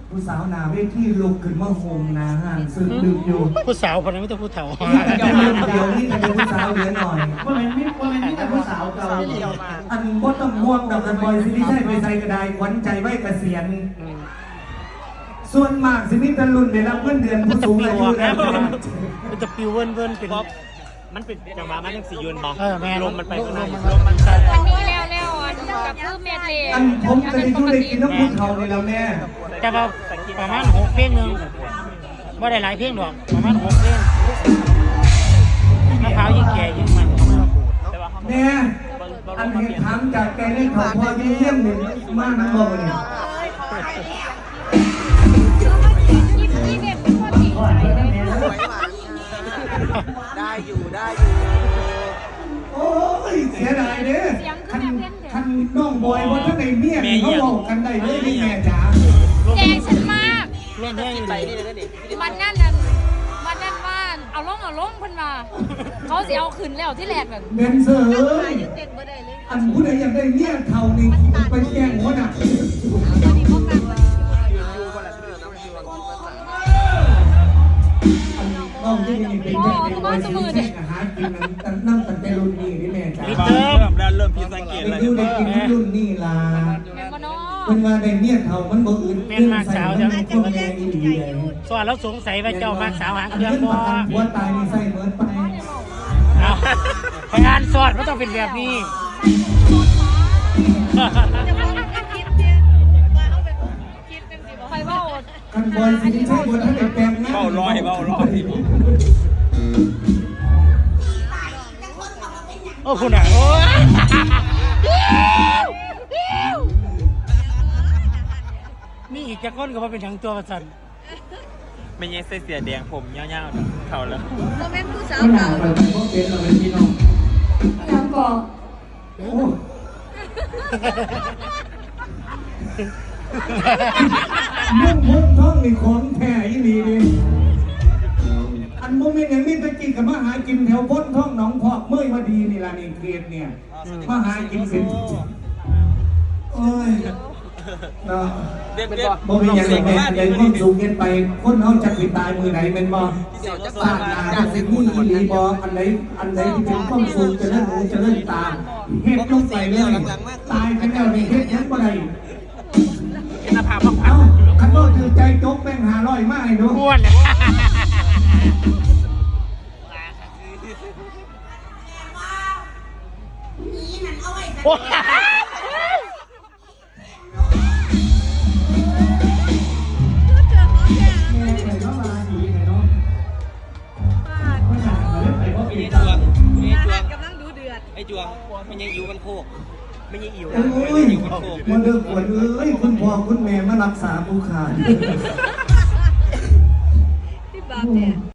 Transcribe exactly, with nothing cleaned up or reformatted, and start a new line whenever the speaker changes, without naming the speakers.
ผู้สาวหนาเวทีลุกขึ้นมาโฮมนาห่างซึ่งดึกอยู่
ผู้สาวคนนั้นไม่ต้องผู้เฒ่า
เดี๋ยวเดี๋ยวนี้จะเป็นผู้สาวเหลือหน่อยเพราะมันไม่เพราะมันนี่แต่ผู้สาวเก่าอันบดต้องม่วงกับกันบอยสิที่ใช่ไปใส่กระไดขวัญใจไว้เกษียณส่วนมากสิมิตรรุ่นได้รับเงินเดือนผู้สูงอายุแล้ว
มันจะปิวเวินเวินเป็น
มันเป็นจังหวะมันยังสียืนบอก
เออแม่
ลมมันไปข้างใน
ลมมันใส่
อันนี้แล้วแล้วอันกับคือเมดเลย
อันผมจะได้ยุ่ได้กินน้ำผู้เฒ่าเลยแล้วแม่
แต่ว่าประมาณหกเพลงหนึ่งว่าได้หลายเพลงหรอกประมาณหกเพลงมะพร้าวยิ่งแก่ยิ่งมันเขาไม่ระบุ
แม่อันเห็นถามจากแกได้เขาพอยิ่งเยี่ยมหนึ่งมากนะบอกเลย
ยี่เด็กเป็นคนที่
ได้อยู่ได้อยู่
โอ้ยเสียดายเด้อคันคันน้องบอยว่าถ้าในเมียเขาบอกกันได้เลยนี่แม่จ๋า
แกงฉันมาก
เล่นแห้ง
ไป
ดี
นี่เลยนี่
มันนั่นนั่นมันนั่นว่าเอาล่องเอาล่องพันมาเขาสิเอาขึ้นแล้วที่แรกนั่น
เบนเซอร์อันผู้ใดอยากได้เมียเท่านี้ไปแจ้งหัวหน้าน้องที่นี่เป็นแค่เป็นบอยซีแค่อาหารกินนั้นนั่งตั้งแต่รุ่นนี้นี่แม่จ๋า
เติม
เริ่มแล้วเริ่มพิสังเกต
เป็น
แล้ว
อยู่ได้กินรุ่นนี้ล่ะ
แม่ก็น้อ
เป็นว่าได้เมียเท่ามันบ่อื่นเรื่องใส่มันคนแม่อีหลีเลย
ส่วนเราสงสัยว่าเจ้ามากสาวหาง
อัน
เครื่อง
นั้น
บ่
ประกันหัวตายนี่ใส่เหมือนไป
เอาพยานสอดมันต้องเป็นแบบนี้
ใครว่า
คันบอยสิใช่บนท่านแปลงนะ
เบาลอยเบาลอย
โอ้คุณอ่ะโอ้นี่อีกจะก้นก็มาเป็นทั้งตัวประสัน
ไม่ยังใส่เสียแดงผมเงาๆเขาแล้ว
โมเมนต์ผู้สาว
ไม่หนา
เก่า
เราเป็นพวกเป็นเราเป็นพี่น้องยังก่อโอ้มุ่งพ้นท้องนี่ของแท้อีหลีดิอันโมเมนต์อย่างนี้ตะกี้กับมาหากินแถวพ้นท้องหนองพอกเมื่อยมาดีนี่ล่ะนี่เกลียดเนี่ยมาหากินเป็นโอ้ยเนาะ
เด็ดเด็ด
บ่มีอย่างแม่ใหญ่ความสูงเกินไปคนเฮาจักสิตายมือไหนเป็นบ่
เดี๋ยวจะ
ตาหน้าจักสิมุ่นอีหลีบ่อันไหนอันไหนที่เป็นความสูงจะเลิ่นหูจะเลิ่นตาเฮ็ดลงไปเลยตายกันแล้วนี่เฮ็ดหยังบ่ได้
กินน้ำผาพัก
เอ้าคันบ่ถือใจจกแม่งห้าร้อยมาให้ดู
บ้วนเลย โอ้
แม่ไปเข้ามาอีกเนาะบ่อยากเลยไปบ่อีก
จวงไอ้จวง
กำลังดูเดือด
ไอ้จวงมันยังอยู่กันโคกไม่ยังอิ่ว
โอ้ยมันเด้อปวดเอ้ยคุณพ่อคุณแม่มารักษาผู้ขาด
ที่บาปเนี่ย